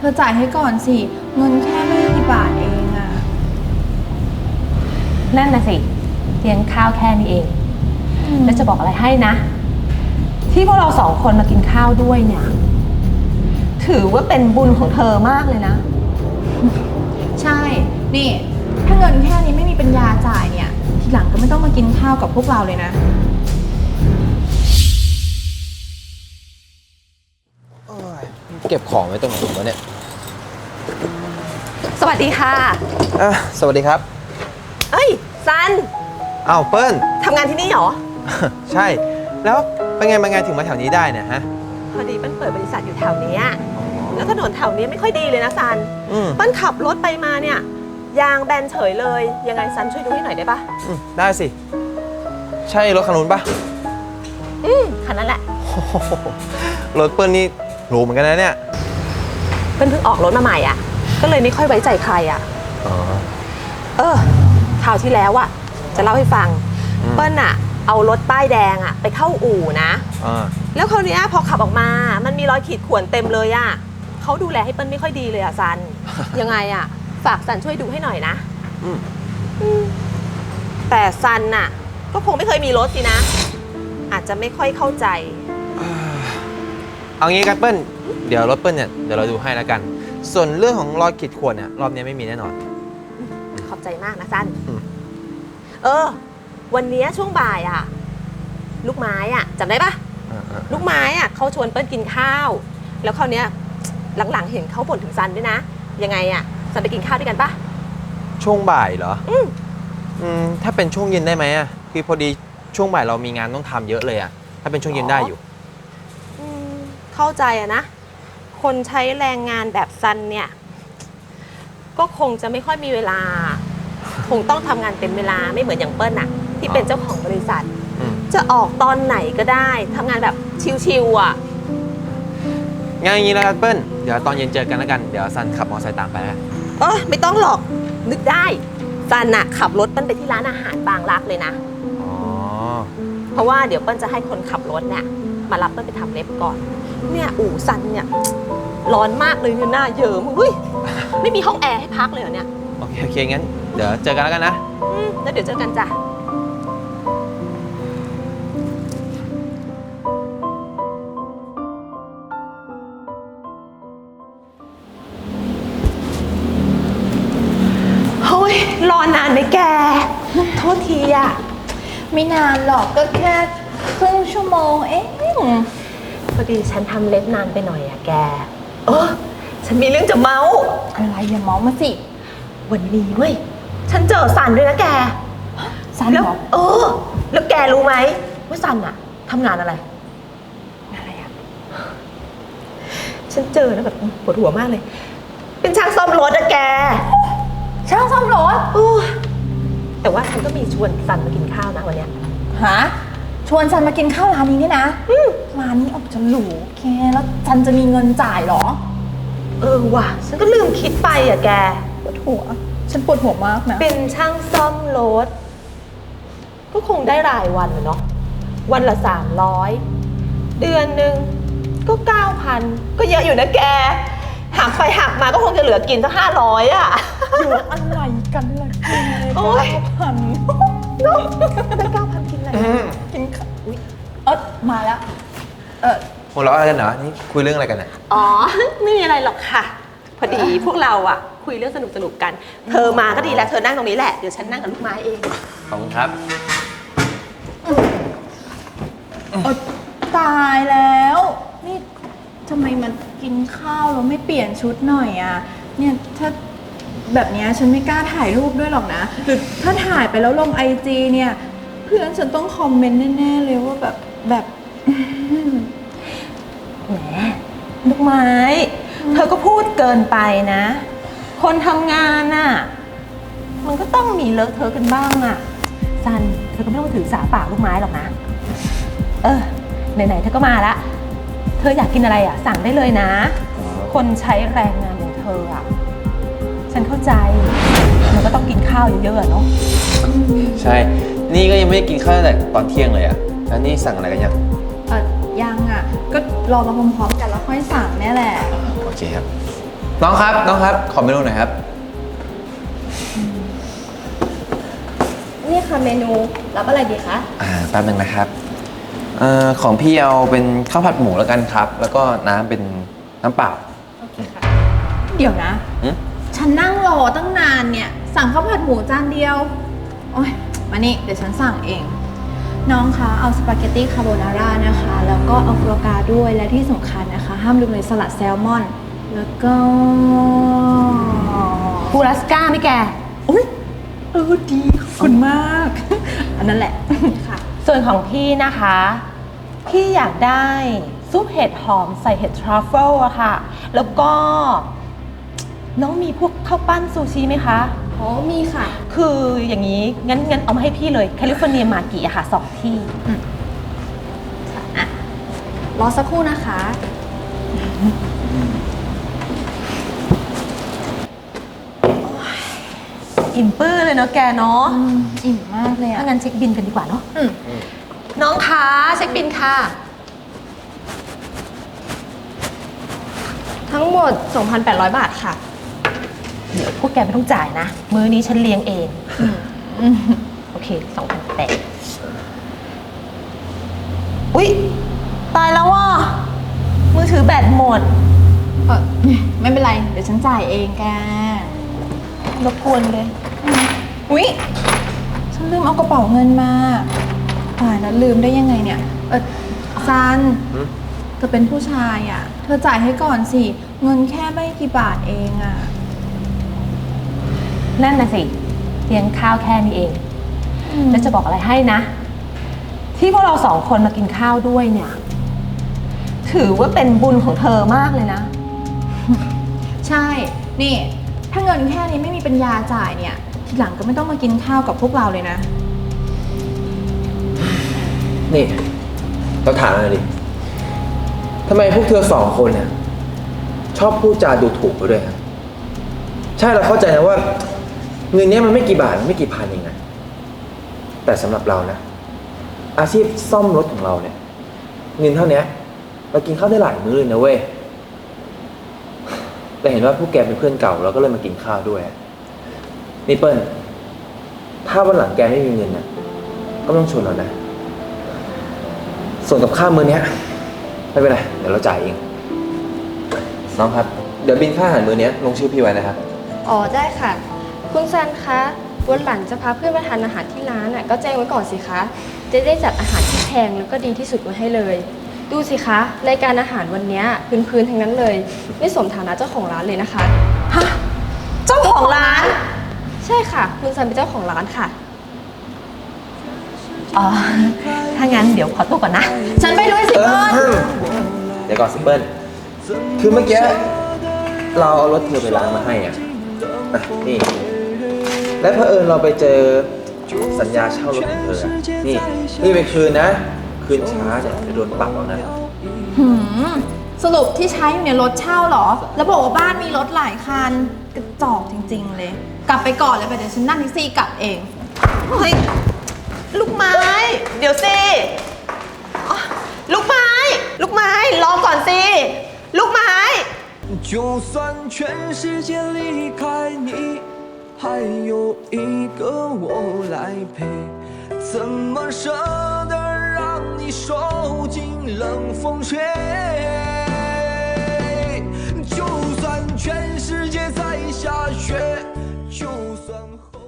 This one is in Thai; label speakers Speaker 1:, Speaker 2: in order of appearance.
Speaker 1: เธอจ่ายให้ก่อนสิเงินแค่ไม่กี่บาทเองอะ
Speaker 2: นั่นน่ะสิเลี้ยงข้าวแค่นี้เองแล้วจะบอกอะไรให้นะที่พวกเราสองคนมากินข้าวด้วยเนี่ยถือว่าเป็นบุญของเธอมากเลยนะ
Speaker 1: ใช่นี่ถ้าเงินแค่นี้ไม่มีปัญญาจ่ายเนี่ยทีหลังก็ไม่ต้องมากินข้าวกับพวกเราเลยนะ
Speaker 3: เก็บของไว้ตรงไหนวะเนี่ย
Speaker 2: สวัสดีค่ะ
Speaker 3: สวัสดีครับ
Speaker 2: เอ้ยซัน
Speaker 3: อ้าวเปิ้ล
Speaker 2: ทำงานที่นี่เหรอ
Speaker 3: ใช่แล้วเป็นไงมาไงถึงมาแถวนี้ได้เนี่ยฮะ
Speaker 2: พอดีเปิ้ลเปิดบริษัทอยู่แถวนี้แล้วถนนแถวนี้ไม่ค่อยดีเลยนะซันเปิ้ลขับรถไปมาเนี่ยยางแบนเฉยเลยยังไงซันช่วยดูให้หน่อยได้ปะ
Speaker 3: ได้สิใช่รถคันนู้นปะ
Speaker 2: คันนั้นแหละ
Speaker 3: รถเปิ้ลนี่หรูเหมือนกันนะเนี่ย
Speaker 2: เปิ้ลเพิ่งออกรถมาใหม่อ่ะก็เลยไม่ค่อยไว้ใจใครอ่ะคราวที่แล้วอ่ะจะเล่าให้ฟังเปิ้ลอ่ะเอารถป้ายแดงอ่ะไปเข้าอู่นะแล้วคราวนี้พอขับออกมามันมีรอยขีดข่วนเต็มเลยอ่ะเขาดูแลให้เปิ้ลไม่ค่อยดีเลยอ่ะซัน ยังไงอ่ะฝากซันช่วยดูให้หน่อยนะแต่ซันน่ะก็คงไม่เคยมีรถสินะอาจจะไม่ค่อยเข้าใจ
Speaker 3: เอางี้กันเปิ้ลเดี๋ยวรถเปิ้ลเนี่ยเดี๋ยวเราดูให้แล้วกันส่วนเรื่องของรอยขีดข่วนเนี่ยรอบนี้ไม่มีแน่นอน
Speaker 2: ขอบใจมากนะซันวันนี้ช่วงบ่ายอ่ะลูกไม้อ่ะจำได้ปะลูกไม้อ่ะเขาชวนเปิ้ลกินข้าวแล้วคราวนี้หลังๆเห็นเขาบ่นถึงซันด้วยนะยังไงอ่ะซันไปกินข้าวด้วยกันปะ
Speaker 3: ช่วงบ่ายเหรอถ้าเป็นช่วงเย็นได้ไหมอ่ะคือพอดีช่วงบ่ายเรามีงานต้องทำเยอะเลยอ่ะถ้าเป็นช่วงเย็นได้อยู่
Speaker 2: เข้าใจอะนะคนใช้แรงงานแบบซันเนี่ยก็คงจะไม่ค่อยมีเวลาคงต้องทำงานเต็มเวลาไม่เหมือนอย่างเปิ้ลน่ะที่เป็นเจ้าของบริษัทจะออกตอนไหนก็ได้ทำงานแบบชิวๆอ่ะ
Speaker 3: งานอย่างนี้แล้วกันเปิ้ลเดี๋ยวตอนเย็นเจอกันแล้วกันเดี๋ยวซันขับมอเตอร์ไซค์ตามไปนะ
Speaker 2: ไม่ต้องหรอกนึกได้ซันน่ะขับรถเปิ้ลไปที่ร้านอาหารบางรักเลยนะเพราะว่าเดี๋ยวเปิ้ลจะให้คนขับรถเนี่ยมารับเปิ้ลไปทำเล็บก่อนเนี่ยอู่ซันเนี่ยร้อนมากเลยเนี่ยหน้าเยิ้มเฮ้ยไม่มีห้องแอร์ให้พักเลยเหรอเนี่ย
Speaker 3: โอเคงั้นเดี๋ยวเจอกันแล้วกันนะ
Speaker 2: แล้วเดี๋ยวเจอกันจ้ะเฮ้ยรอนานไหมแกโทษทีอ่ะ
Speaker 1: ไม่นานหรอกก็แค่ครึ่งชั่วโมงเอง
Speaker 2: พอดีฉันทำเล็บนานไปหน่อยอะแกฉันมีเรื่องจะเมา
Speaker 1: อะไรอย่าเมามาสิ
Speaker 2: วันนี้เว้ยฉันเจอซันด้วยนะแก
Speaker 1: ซันเหรอ
Speaker 2: แล้วแกรู้ไหมว่าซันอะทำงานอะไร
Speaker 1: อะ
Speaker 2: ฉันเจอแล้วแบบปวดหัวมากเลยเป็นช่างซ่อมรถอะแก
Speaker 1: ช่างซ่อมรถ
Speaker 2: แต่ว่าฉันก็มีชวนซันมากินข้าวนะวันเนี้ย
Speaker 1: ฮะชวนซันมากินข้าวร้านนี้เนี่ยนะร้านนี้ออกจะหรูแกแล้วซันจะมีเงินจ่ายหรอ
Speaker 2: ว่ะฉันก็ลืมคิดไปอะแก
Speaker 1: ปวดหัวฉันปวดหัวมากนะ
Speaker 2: เป็นช่างซ่อมรถก็คงได้รายวันเนาะวันละ300เดือนหนึ่งก็9,000ก็เยอะอยู่นะแกหักไปหักมาก็คงจะเหลือกินสัก500อะ
Speaker 1: อยู่อะไรกันล่ะแก9,000ได้9,000กินอะไรกินมาแล้ว
Speaker 3: หัวเราะอะไรกันเหรอนี่คุยเรื่องอะไรกันน่ะ
Speaker 2: ไม่มีอะไรหรอกค่ะพอดีพวกเราอ่ะคุยเรื่องสนุกกันเธอมาก็ดีแล้วเธอนั่งตรงนี้แหละเดี๋ยวฉันนั่งกับลูกไม้เอง
Speaker 3: ขอบคุณครับ
Speaker 1: ตายแล้วนี่ทำไมมันกินข้าวแล้วไม่เปลี่ยนชุดหน่อยอ่ะเนี่ยถ้าแบบนี้ฉันไม่กล้าถ่ายรูปด้วยหรอกนะหรือถ้าถ่ายไปแล้วลงIGเนี่ยเพื่อนฉันต้องคอมเมนต์แน่ๆเลยว่าแบบ
Speaker 2: แหมลูกไม้เธอก็พูดเกินไปนะคนทำงานน่ะมันก็ต้องมีเลอะเทอะกันบ้างอ่ะซันเธอก็ไม่ต้องถือสาปากลูกไม้หรอกนะไหนๆเธอก็มาละเธออยากกินอะไรอ่ะสั่งได้เลยนะคนใช้แรงงานอย่างเธออ่ะฉันเข้าใจมันก็ต้องกินข้าวเยอะๆเนาะ
Speaker 3: ใช่นี่ก็ยังไม่ได้กินข้าวตั้งแต่ตอนเที่ยงเลยอ่ะแล้วนี่สั่งอะไรกันยัง
Speaker 1: ยังอ่ะก็รอมาพร้อมๆกันแล้วค่อยสั่งเนี่ยแหละ
Speaker 3: โอเคครับน้องครับน้องครับ ขอเมนูหน่อยครับ
Speaker 1: นี่ค่ะเมนูรับอะไรดีคะ
Speaker 3: แป๊บนึงนะครับของพี่เอาเป็นข้าวผัดหมูแล้วกันครับ แล้วก็น้ำเป็นน้ำเปล่า
Speaker 1: โอเคค่ะ เดี๋ยวนะ
Speaker 3: หึ
Speaker 1: ฉันนั่งรอตั้งนานเนี่ย สั่งข้าวผัดหมูจานเดียว โอ๊ย มานี่ เดี๋ยวฉันสั่งเอง น้องคะเอาสปาเกตตี้คาโบนาร่านะคะ แล้วก็เอาโฟกาด้วย และที่สำคัญนะคะ ห้ามลืมเลยสลัดแซลมอน แล้วก็
Speaker 2: ปูรัสก้าไหมแก
Speaker 1: อุ๊ยดีขอบคุณมาก อันนั้นแหละ ค่ะ
Speaker 2: ส่วนของพี่นะคะ พี่อยากได้ซุปเห็ดหอมใส่เห็ดทรัฟเฟิลอะค่ะ แล้วก็ น้องมีพวกข้าวปั้นซูชิไหมคะ
Speaker 1: อ๋อ มีค่ะ
Speaker 2: คืออย่างนี้งั้นเอามาให้พี่เลยแคลิฟอร์เนียมากิอะค่ะ2 ที่
Speaker 1: อ่ะ รอสักครู่นะคะ
Speaker 2: อิ่มปื้อเลยเนาะแกเนาะ
Speaker 1: อิ่มมากเลย
Speaker 2: ถ้า
Speaker 1: อ่ะ
Speaker 2: งั้นเช็คบินกันดีกว่าเนาะ
Speaker 1: อืม
Speaker 2: น้องคะเช็คบินค่ะ
Speaker 1: ทั้งหมด 2,800 บาทค่ะ
Speaker 2: เดี๋ยวพวกแกไม่ต้องจ่ายนะ มื้อนี้ฉันเลี้ยงเอง โอเค2,800อุ๊ย ตายแล้วว่ะมือถือแบตหมด
Speaker 1: ไม่เป็นไร เดี๋ยวฉันจ่ายเองแก
Speaker 2: รบกวนเลย
Speaker 1: อุ๊ย ฉันลืมเอากระเป๋าเงินมาตายแล้วลืมได้ยังไงเนี่ย ซัน เธอเป็นผู้ชายอ่ะ เธอจ่ายให้ก่อนสิ เงินแค่ไม่กี่บาทเองอ่ะ
Speaker 2: นั่นน่ะสิเลี้ยงข้าวแค่นี้เอง แล้วจะบอกอะไรให้นะ ที่พวกเรา2 คนมากินข้าวด้วยเนี่ย ถือว่าเป็นบุญของเธอมากเลยนะ
Speaker 1: ใช่ นี่ ถ้าเงินแค่นี้ไม่มีปัญญาจ่ายเนี่ย ทีหลังก็ไม่ต้องมากินข้าวกับพวกเราเลยนะ
Speaker 3: นี่เราถามหน่อยดิทำไมพวกเธอ2 คนเนี่ยชอบพูดจาดูถูกไปด้วยครับใช่เราเข้าใจนะว่า เงินเนี้ยมันไม่กี่บาทไม่กี่พันเองนะแต่สำหรับเรานะ อาชีพซ่อมรถของเราเนี่ย เงินเท่านี้เรากินข้าวได้หลายมื้อเลยนะเว้ยแต่เห็นว่าพวกแกเป็นเพื่อนเก่าเราก็เลยมากินข้าวด้วยนี่เปิ้ลถ้าวันหลังแกไม่มีเงินนะก็ไม่ต้องชวนเรานะส่วนกับข้าวมื้อเนี้ยไม่เป็นไรเดี๋ยวเราจ่ายเองน้องครับเดี๋ยวบินค่าอาหารมื้อเนี้ยลงชื่อพี่ไว้นะครับ
Speaker 4: อ๋อได้ค่ะ คุณซันคะวันหลังจะพาเพื่อนมาทานอาหารที่ร้านน่ะก็แจ้งไว้ก่อนสิคะจะได้จัดอาหารที่แพงแล้วก็ดีที่สุดมาให้เลย ดูสิคะรายการอาหารวันเนี้ยพื้นๆทั้งนั้นเลย ไม่สมฐานะเจ้าของร้านเลยนะคะ
Speaker 2: ฮะ เจ้าของร้าน
Speaker 4: ใช่ค่ะ คุณซันเป็นเจ้าของร้านค่ะ
Speaker 2: อ๋อ ถ้างั้นเดี๋ยวขอตัวก่อนนะ
Speaker 1: ฉันไปด้วยสิเปิ้ล
Speaker 3: เดี๋ยวก่อนสิเปิ้ลคือเมื่อกี้เราเอารถเธอไปล้างมาให้อ่ะนี่ และเผอิญเราไปเจอสัญญาเช่ารถของเธออะนี่ไปคืนนะ คืนช้าเนี่ยจะโดนปรับเอานะ
Speaker 1: สรุปที่ใช้อยู่เนี่ยรถเช่าเหรอ แล้วบอกว่าบ้านมีรถหลายคัน กระจอกจริงๆเลย กลับไปก่อนเลยไปเดี๋ยวฉันนั่งแท็กซี่กลับเอง
Speaker 2: เฮ้ย ลูกไม้ เดี๋ยวสิอ๋อลูกไม้ ลูกไม้ รอก่อนสิ ลูกไม้
Speaker 5: 就算全世界离开你，还有一个我来陪，怎么舍得让你受尽冷风吹？就算全世界在下雪，就算后。